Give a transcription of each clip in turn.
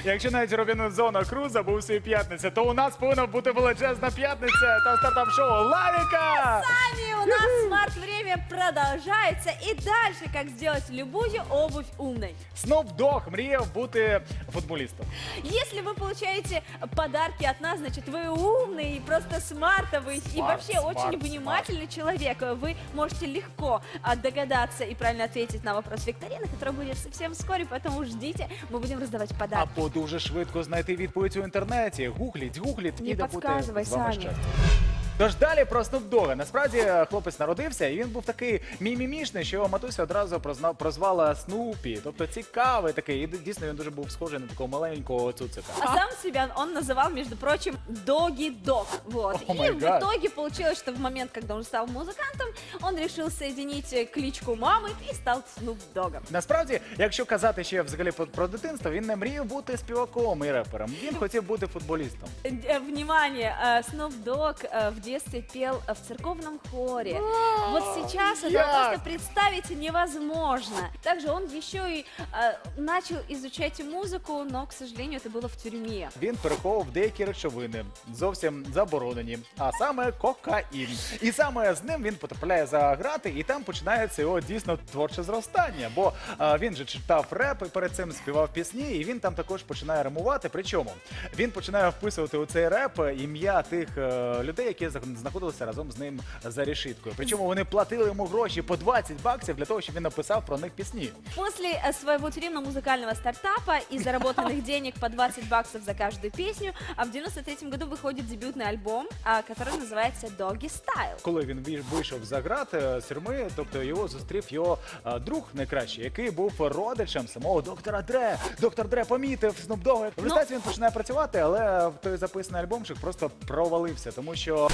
Якщо навіть Робінзона Круза був свій п'ятниця, то у нас повинна бути величезна п'ятниця та стартап-шоу Лавіка! Сами у нас смарт-время продолжается. И дальше, как сделать любую обувь умной. Snoop Dogg мріяв бути футболістом. Если вы получаете подарки от нас, значит, вы умный, просто смартовый и вообще очень внимательный человек. Вы можете легко догадаться и правильно ответить на вопрос викторины, который будет совсем вскоре, поэтому ждите, мы будем раздавать подарки. Або дуже швидко знайти відповідь у інтернеті. Гугліть, Не і да буде підказуй, з вами Саня. щастя. Тож далі про Snoop Dogg. Насправді хлопець народився, і він був такий мімімішний, що його матуся одразу прозвала Снупі. Тобто цікавий такий. І дійсно він дуже був схожий на такого маленького цуцика. А сам себя он называл, между прочим, Doggy Dog. Вот. О И май в гад. итоге получилось, что в момент, когда он стал музыкантом, он решил соединить кличку мамы и стал Snoop Doggом. Насправді, якщо казати ще взагалі про дитинство, він не мріяв бути співаком і репером. Він хотів бути футболістом. Внимание, Snoop Dogg в детстве пел в церковном хоре. Вот сейчас это як? просто представить невозможно. Также он еще и начал изучать музыку, но, к сожалению, это было в тюрьме. Він переховував деякі речовини, зовсім заборонені, а саме кокаїн. І саме з ним він потрапляє за грати, і там починається його дійсно творче зростання. Бо він же читав реп і перед цим співав пісні, і він там також починає римувати. Причому він починає вписувати у цей реп ім'я тих людей, які знаходилися разом з ним за решіткою. Причому вони платили йому гроші по 20 баксів для того, щоб він написав про них пісні. После своего тюремно-музыкального стартапа и заработанных денег по 20 баксов за каждую песню, а в 93-м году выходит дебютный альбом, который называется Doggy Style. Коли він вийшов за грати з тюрми, тобто його зустрів його друг найкращий, який був родичем самого доктора Дре. Доктор Дре помітив Snoop Dogg. В результаті він починає працювати, але той записаний альбомчик просто провалився, тому що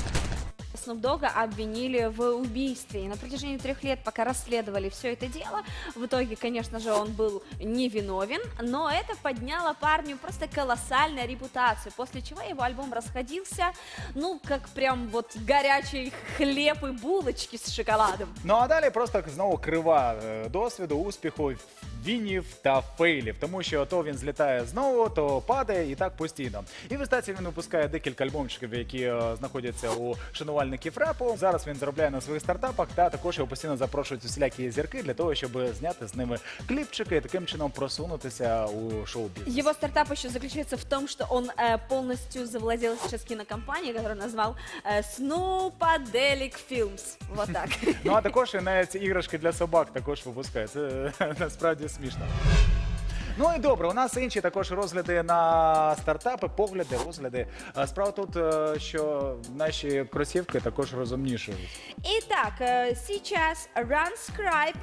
Snoop Dogga обвинили в убийстве. И на протяжении 3 лет, пока расследовали все это дело, в итоге, конечно же, он был невиновен, но это подняло парню просто колоссальную репутацию, после чего его альбом расходился, ну, как прям вот горячий хлеб и булочки с шоколадом. Ну а далі просто знову крива досвіду, успіху, вінів та фейлів, тому що то він злітає знову, то падає і так постійно. І в результаті він випускає декілька альбомчиків, які знаходяться у шанувальників репу. Зараз він заробляє на своїх стартапах, та також його постійно запрошують усілякі зірки для того, щоб зняти з ними кліпчики і таким чином просунутися у шоу-бізнес. Его стартап еще заключается в том, что он полностью завладел сейчас кинокомпанией, которую назвал Snoopadelic Films. Вот так. Ну а також і навіть іграшки для собак також випускає. Це насправді смішно. Ну і добре, у нас інші також розгляди на стартапи, погляди, розгляди. Справа тут, що наші кросівки також розумнішують. Итак, сейчас RunScribe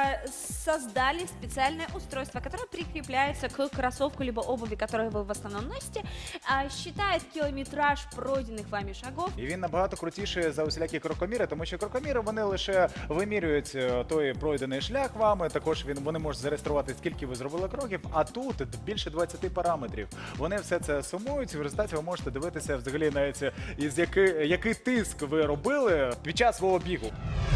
создали специальное устройство, которое прикрепляется к кроссовку либо обуви, которую вы в основном носите, считает километраж пройденных вами шагов. І він набагато крутіший за усілякі крокоміри, тому що крокоміри вони лише вимірюють той пройдений шлях вами. Також вони можуть зареєструвати, скільки ви зробили кроків. А тут більше 20 параметрів. Вони все це сумують, і в результаті ви можете дивитися взагалі навіть який тиск ви робили під час свого бігу.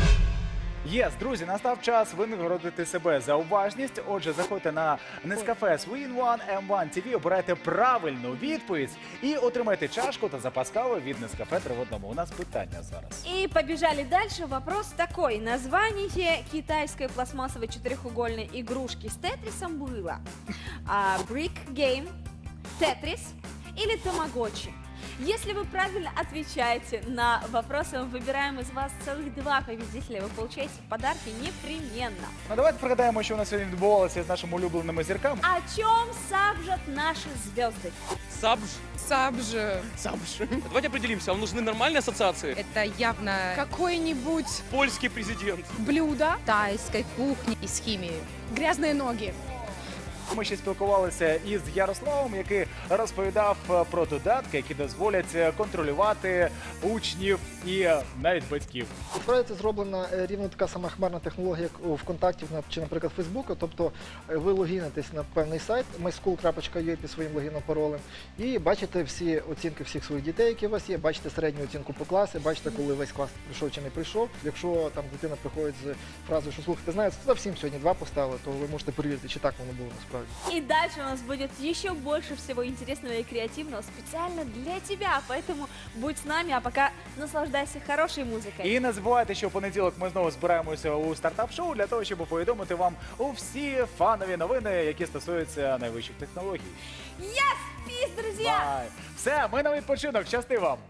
Єс, друзі, настав час винагородити себе за уважність. Отже, заходьте на Nescafe Swin One M1 TV, обирайте правильну відповідь і отримайте чашку та запас кави від Nescafe 3 в 1. У нас питання зараз. И побежали дальше. Вопрос такой. Название китайской пластмассовой четырехугольной игрушки с тетрисом было Brick Game, Tetris или Тамагочи? Если вы правильно отвечаете на вопросы, мы выбираем из вас целых 2 победителя. Вы получаете подарки непременно. Ну давайте пригадаємо, що у нас сьогодні відбувалося з нашими улюбленими зірками. О чем сажат наши звезды? Сабж. Сабж. Давайте определимся, вам нужны нормальные ассоциации? Это явно Какое-нибудь Польский президент. блюдо, тайской кухни и с химией. грязные ноги. Ми ще спілкувалися із Ярославом, який розповідав про додатки, які дозволять контролювати учнів і навіть батьків. Насправді це зроблена рівно така сама хмарна технологія, як у ВКонтакті чи, наприклад, Фейсбуку. Тобто ви логінитесь на певний сайт myschool.ua під своїм логіном, паролем, і бачите всі оцінки всіх своїх дітей, які у вас є, бачите середню оцінку по класі, бачите, коли весь клас прийшов чи не прийшов. Якщо там дитина приходить з фразою, що слухайте, знаєте, всім сьогодні 2 поставили, то ви можете перевірити, чи так воно було насправді. правильно. И дальше у нас будет еще больше всего интересного и креативного специально для тебя. Поэтому будь с нами, а пока наслаждайся хорошей музыкой. І не забувайте, що в понеділок ми знову збираємося у стартап-шоу для того, щоб повідомити вам всі фанові новини, які стосуються найвищих технологій. Yes, peace, друзья! Бай! Все, ми на відпочинок. Щасти вам!